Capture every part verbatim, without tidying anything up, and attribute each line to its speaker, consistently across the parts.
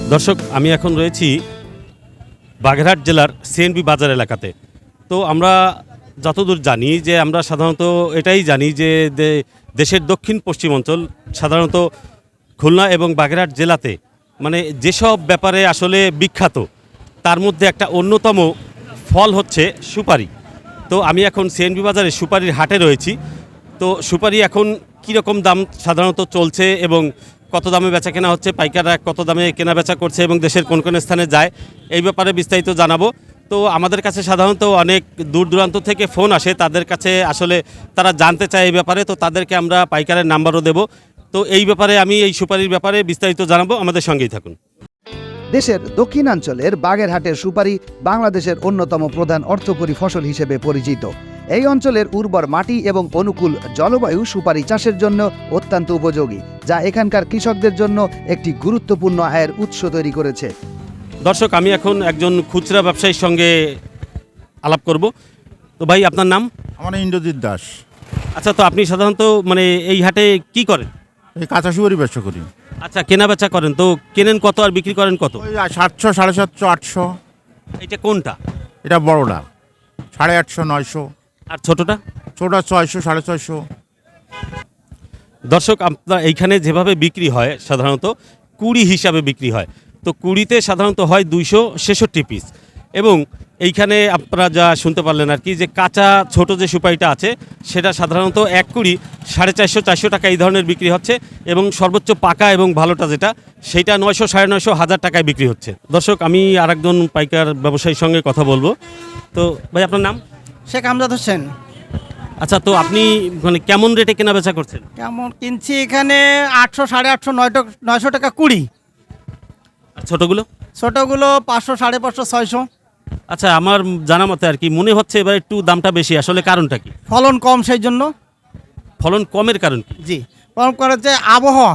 Speaker 1: দর্শক, আমি এখন রয়েছি বাগেরহাট জেলার সিএনবি বাজার এলাকাতে। তো আমরা যতদূর জানি যে আমরা সাধারণত এটাই জানি যে দেশের দক্ষিণ পশ্চিম অঞ্চল সাধারণত খুলনা এবং বাগেরহাট জেলাতে মানে যেসব ব্যাপারে আসলে বিখ্যাত তার মধ্যে একটা অন্যতম ফল হচ্ছে সুপারি। তো আমি এখন সিএনবি বাজারে সুপারির হাটে রয়েছি। তো সুপারি এখন কীরকম দাম সাধারণত চলছে এবং কত দামে বেচা কেনা হচ্ছে, পাইকাররা কত দামে কেনা বেচা করছে এবং দেশের কোন কোন স্থানে যায়, এই ব্যাপারে বিস্তারিত জানাবো। তো আমাদের কাছে সাধারণত অনেক দূর দূরান্ত থেকে ফোন আসে, তাদের কাছে আসলে তারা জানতে চায় এই ব্যাপারে, তো তাদেরকে আমরা পাইকারের নাম্বারও দেব। তো এই ব্যাপারে আমি এই সুপারির ব্যাপারে বিস্তারিত জানাবো, আমাদের সঙ্গেই থাকুন।
Speaker 2: দেশের দক্ষিণাঞ্চলের বাগেরহাটের সুপারি বাংলাদেশের অন্যতম প্রধান অর্থকরী ফসল হিসেবে পরিচিত। এই অঞ্চলের উর্বর মাটি এবং অনুকূল জলবায়ু সুপারি চাষের জন্য অত্যন্ত উপযোগী, যা এখানকার কৃষকদের জন্য একটি গুরুত্বপূর্ণ আয়ের উৎস তৈরি করেছে।
Speaker 1: দর্শক, আমি এখন একজন খুচরা ব্যবসায়ীর সঙ্গে আলাপ করব। তো ভাই, আপনার নাম?
Speaker 3: আমার নাম ইন্দ্রজিৎ দাস।
Speaker 1: আচ্ছা, তো আপনি সাধারণত মানে এই হাটে কি করেন?
Speaker 3: এই কাঁচা সুপারি ব্যবসা করি।
Speaker 1: আচ্ছা, কেনা বেচা করেন, তো কেনেন কত আর বিক্রি করেন কত?
Speaker 3: ওই সাতশো, সাড়ে সাতশো, আটশো।
Speaker 1: এটা কোনটা?
Speaker 3: এটা বড়টা সাড়ে আটশো, নয়শো।
Speaker 1: আর ছোটটা?
Speaker 3: ছোটা ছয়শো, সাড়ে ছয়শো।
Speaker 1: দর্শক, আপনার এইখানে যেভাবে বিক্রি হয় সাধারণত কুড়ি হিসাবে বিক্রি হয়। তো কুড়িতে সাধারণত হয় দুইশো ছেষট্টি পিস, এবং এইখানে আপনারা যা শুনতে পারলেন আর কি, যে কাঁচা ছোট যে সুপারিটা আছে সেটা সাধারণত এক কুড়ি সাড়ে চারশো চারশো টাকা এই ধরনের বিক্রি হচ্ছে, এবং সর্বোচ্চ পাকা এবং ভালোটা যেটা সেইটা নয়শো সাড়ে নয়শো হাজার টাকায় বিক্রি হচ্ছে। দর্শক, আমি আর একজন পাইকার ব্যবসায়ীর সঙ্গে কথা বলবো। তো ভাই, আপনার নাম?
Speaker 4: শেখ আমজাদ হোসেন।
Speaker 1: আচ্ছা, তো আপনি মানে কেমন রেটে কেনা বেচা করছেন?
Speaker 4: কেমন কিনছি এখানে আটশো, সাড়ে আটশো, নয়টো নয়শো টাকা কুড়ি।
Speaker 1: আর ছোটোগুলো?
Speaker 4: ছোটোগুলো পাঁচশো, সাড়ে পাঁচশো, ছয়শো।
Speaker 1: আচ্ছা, আমার জানা মতে আর কি মনে হচ্ছে এবার একটু দামটা বেশি, আসলে কারণটা কি?
Speaker 4: ফলন কম, সেই জন্য।
Speaker 1: ফলন কমের কারণ কি?
Speaker 4: জি, ফলন করেছে আবহাওয়া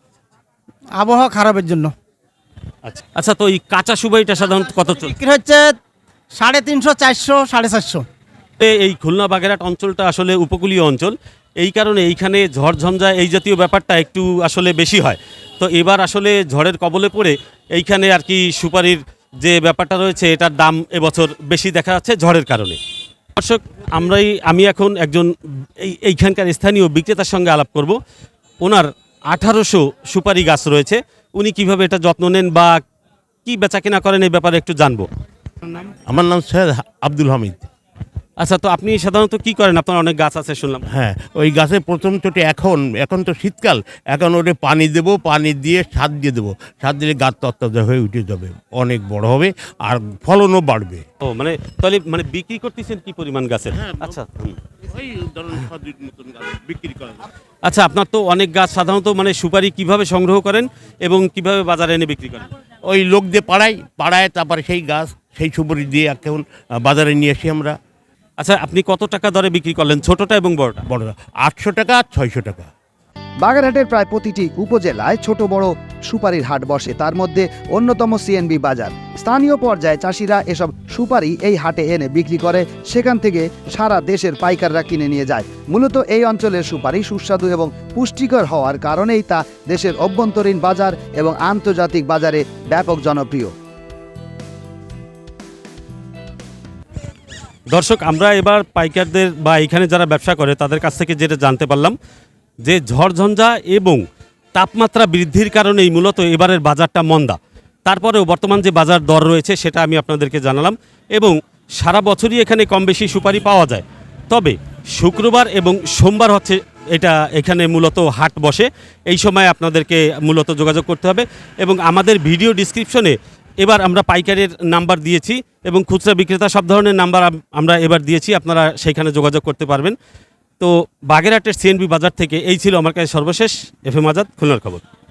Speaker 4: আবহাওয়া খারাপের জন্য।
Speaker 1: আচ্ছা আচ্ছা, তো এই কাঁচা সুপারিটা সাধারণত কত চলছে?
Speaker 4: বিক্রি হচ্ছে সাড়ে তিনশো, চারশো, সাড়ে চারশো।
Speaker 1: এই খুলনা বাগেরহাট অঞ্চলটা আসলে উপকূলীয় অঞ্চল, এই কারণে এইখানে ঝড়ঝঞ্ঝা এই জাতীয় ব্যাপারটা একটু আসলে বেশি হয়। তো এবার আসলে ঝড়ের কবলে পড়ে এইখানে আর কি সুপারির যে ব্যাপারটা রয়েছে এটার দাম এবছর বেশি দেখা যাচ্ছে ঝড়ের কারণে। দর্শক, আমরাই আমি এখন একজন এই এইখানকার স্থানীয় বিক্রেতার সঙ্গে আলাপ করব। ওনার আঠারোশো সুপারি গাছ রয়েছে, উনি কিভাবে এটা যত্ন নেন বা কি বেচা কেনা করেন এই ব্যাপারে একটু জানবো।
Speaker 5: আমার নাম সৈয়দ আব্দুল হামিদ।
Speaker 1: আচ্ছা, তো আপনি সাধারণত কি করেন? আপনার অনেক গাছ আছে শুনলাম।
Speaker 5: হ্যাঁ, ওই গাছে প্রথম চোটে এখন এখন তো শীতকাল, এখন ওটা পানি দেব, পানি দিয়ে সার দিয়ে দেবো, সার দিলে গাছ তত্ত্ব হয়ে উঠে যাবে, অনেক বড় হবে আর ফলনও বাড়বে।
Speaker 1: ও মানে তাহলে মানে বিক্রি করতেছেন কি পরিমাণ গাছের? আচ্ছা হুম।
Speaker 5: ওই ধরুন সদুর মতন গাছ বিক্রি করা যায়।
Speaker 1: আচ্ছা, আপনার তো অনেক গাছ, সাধারণত মানে সুপারি কিভাবে সংগ্রহ করেন এবং কিভাবে বাজারে এনে বিক্রি করেন?
Speaker 5: ওই লোক দিয়ে পাড়ায় পাড়ায় তারপরে সেই গাছ সেই সুপারি দিয়ে এখন বাজারে নিয়ে আসি আমরা।
Speaker 1: আচ্ছা, আপনি কত টাকা দরে বিক্রি করলেন ছোটটা এবং বড়টা?
Speaker 5: বড়রা আটশো টাকা আর ছয়শো টাকা।
Speaker 2: বাগেরহাটের প্রায় প্রতিটি উপজেলায় ছোট বড় সুপারির হাট বসে, তার মধ্যে অন্যতম সিএনবি বাজার। স্থানীয় পর্যায়ে চাষিরা এসব সুপারি এই হাটে এনে বিক্রি করে, সেখান থেকে সারা দেশের পাইকাররা কিনে নিয়ে যায়। মূলত এই অঞ্চলের সুপারি সুস্বাদু এবং পুষ্টিকর হওয়ার কারণেই তা দেশের অভ্যন্তরীণ বাজার এবং আন্তর্জাতিক বাজারে ব্যাপক জনপ্রিয়।
Speaker 1: দর্শক, আমরা এবার পাইকারদের বা এখানে যারা ব্যবসা করে তাদের কাছ থেকে যেটা জানতে পারলাম যে ঝড়ঝঞ্ঝা এবং তাপমাত্রা বৃদ্ধির কারণেই মূলত এবারের বাজারটা মন্দা। তারপরেও বর্তমান যে বাজার দর রয়েছে সেটা আমি আপনাদেরকে জানালাম, এবং সারা বছরই এখানে কম বেশি সুপারি পাওয়া যায়। তবে শুক্রবার এবং সোমবার হচ্ছে এটা এখানে মূলত হাট বসে, এই সময় আপনাদেরকে মূলত যোগাযোগ করতে হবে। এবং আমাদের ভিডিও ডিসক্রিপশনে এবার আমরা পাইকারের নাম্বার দিয়েছি এবং খুচরা বিক্রেতা সব ধরনের নাম্বার আমরা এবার দিয়েছি, আপনারা সেইখানে যোগাযোগ করতে পারবেন। তো বাগেরহাটের সিএনবি বাজার থেকে এই ছিল আমার কাছে সর্বশেষ। এফ এম আজাদ, খুলনার খবর।